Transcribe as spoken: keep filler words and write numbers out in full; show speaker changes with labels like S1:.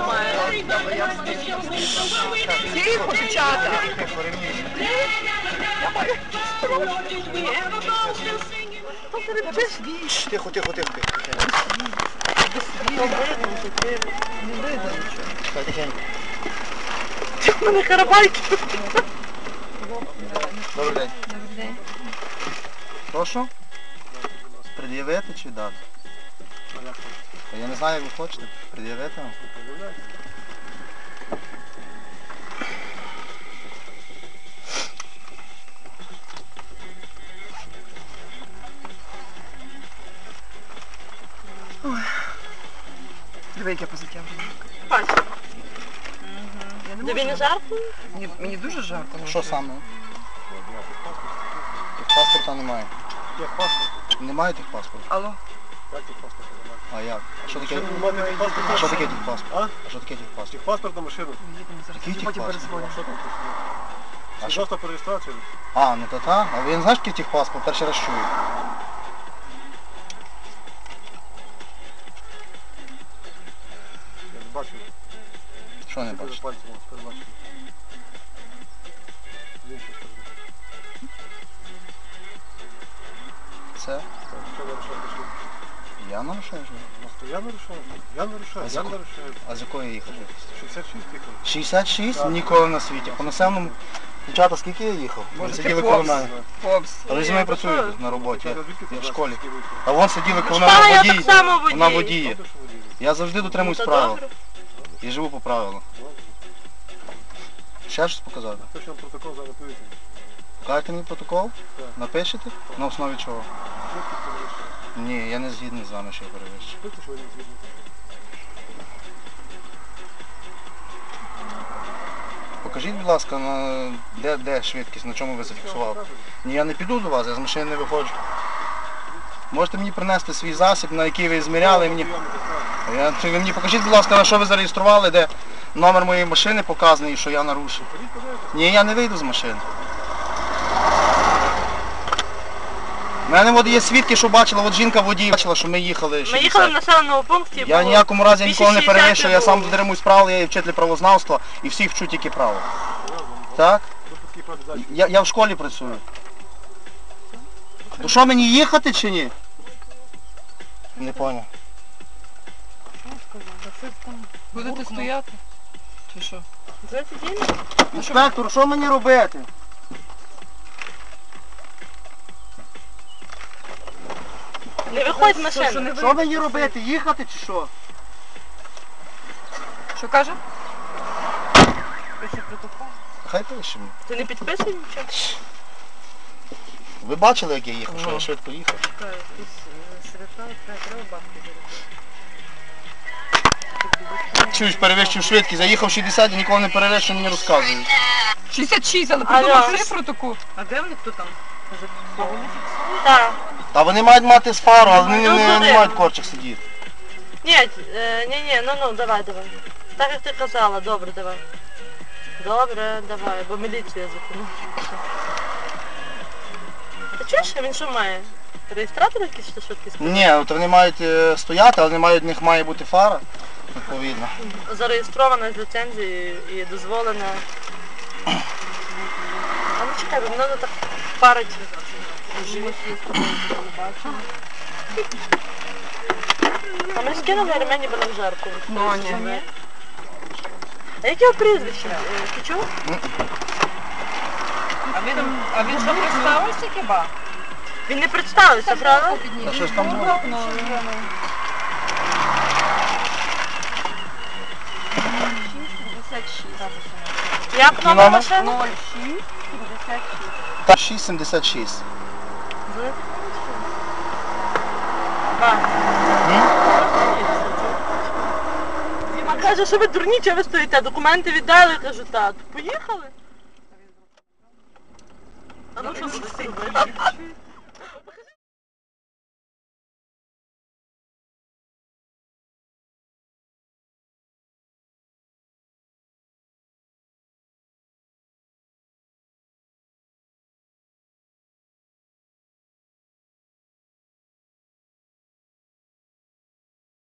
S1: немає. Тихо, дівчата.
S2: Тихо, тихо, тихо.
S1: Не видно нічого.
S2: Так, тихенько.
S1: У мене карабайки.
S2: Добрий день.
S3: Добрий день.
S2: Прошу? Пред'явити чи дати? Я не знаю, як ви хочете. Пред'явити вам?
S1: Диви, як я позитяв.
S3: Бачу.
S1: Тобі не жарко?
S3: Мені, мені дуже жарко.
S2: Що саме? Паспорта немає.
S4: Як паспорт?
S2: Немає тих паспортів?
S1: Алло.
S4: Як тих паспорт немає?
S2: А як? А що таке?
S4: Що ви маєте тих паспорт?
S2: А що таке тих паспорт?
S4: А?
S2: А що таке тих паспорт?
S4: Тих паспорт на машину.
S1: Їдемо зараз.
S2: Який тих
S1: Потім
S2: паспорт?
S1: перезвоню.
S4: А що там?
S2: А
S4: А
S2: що?
S4: що про реєстрацію?
S2: А, ну то та. А ви не знаєте, який тих паспорт? Перший раз чую.
S4: Я не бачу.
S2: Що не
S4: Що за
S2: бачите?
S4: пальцем у вас передбачено? З іншої сторони.
S2: Це?
S4: Так, що нарушаєте? Що?
S2: Я нарушаю? що?
S4: Ну, то я нарушаю. Я нарушаю.
S2: А з
S4: Я
S2: якого-
S4: нарушаю.
S2: А з якої їхати?
S4: шістдесят шість їхали.
S2: шістдесят шість?
S4: Так.
S2: Ніколи на світі. По населеному... Дівчата, скільки я їхав? Ви
S1: Може,
S2: сиділи
S1: ти
S2: коло
S1: Фокс?
S2: мене.
S1: Фокс.
S2: А ви зі мною працюєте на роботі, я, я в школі. А вон сиділи коло мене
S1: Та, я
S2: водій,
S1: так само водій.
S2: вона водіє. Я завжди дотримуюсь
S1: Та
S2: правил
S1: добре.
S2: і живу по правилам. Ще щось показати?
S4: Хто ж вам протокол зараз повідомив?
S2: Покажете мені протокол?
S4: Так.
S2: Напишете? На основі чого?
S4: Швидкість перевищує.
S2: Ні, я не згідний з вами, що я перевищу.
S4: Швидкість, що ви не згідні?
S2: Покажіть, будь ласка, на... де, де швидкість, на чому ви зафіксували? Ні, я не піду до вас, я з машини не виходжу. Можете мені принести свій засіб, на який ви зміряли мені. Я... Ви мені покажіть, будь ласка, на що ви зареєстрували, де номер моєї машини показаний, що я нарушив. Ні, я не вийду з машини. У мене от є свідки, що бачила, от жінка водій бачила, що ми їхали.
S1: Ми
S2: шістдесят.
S1: їхали в населеному пункті.
S2: Я
S1: було
S2: ніякому разі ніколи не
S1: двісті шістдесят
S2: перевищую, я
S1: було.
S2: сам дотримуюсь правил, я є вчитель правознавства і всіх вчу тільки право. Так? Я, я в школі працюю. Ну що, мені їхати чи ні? Не поняв.
S3: Будете стояти? Чи що?
S2: Інспектор, що мені робити?
S1: Не виходь з машини.
S2: Що мені робити? Їхати чи що?
S3: Що каже?
S2: Хай пише мені.
S1: Ти не підписуй нічого?
S2: Ви бачили, як я їхав, що я швидко їхав? Чуєш, перевищив швидкість, заїхав шістдесят і ніколи не перевищив, мені розказують.
S3: шістдесят шість, але
S1: Алло.
S3: придумав цифру таку.
S1: А де вони, хто там? Так.
S2: Та вони мають мати з фару, але вони
S1: Ну,
S2: не, не,
S1: туди.
S2: мають корчих сидіти.
S1: Ні, е, ні, ні, ну ну, давай, давай. Так як ти казала, добре, давай. Добре, давай, бо міліція зупинила. Ти чуєш, він що має? Реєстратор якийсь чи швидкість?
S2: Ні, от вони мають е, стояти, але не мають, в них має бути фара, відповідно.
S1: Зареєстрована з ліцензією і дозволена. А ну чекай, бо мене так парить. А ми скинули ремені були в жарку.
S3: Ну, ні.
S1: А яке його прізвище? Е, Ти чув?
S3: А він, а він що представився хіба?
S1: Він не представився, правда?
S2: А що ж там було?
S1: Як номер машини?
S2: Та шість сімдесят шість.
S1: Діма каже, що ви дурні, чого ви стоїте? Документи віддали, кажу, так. Поїхали? А ну що будете робити?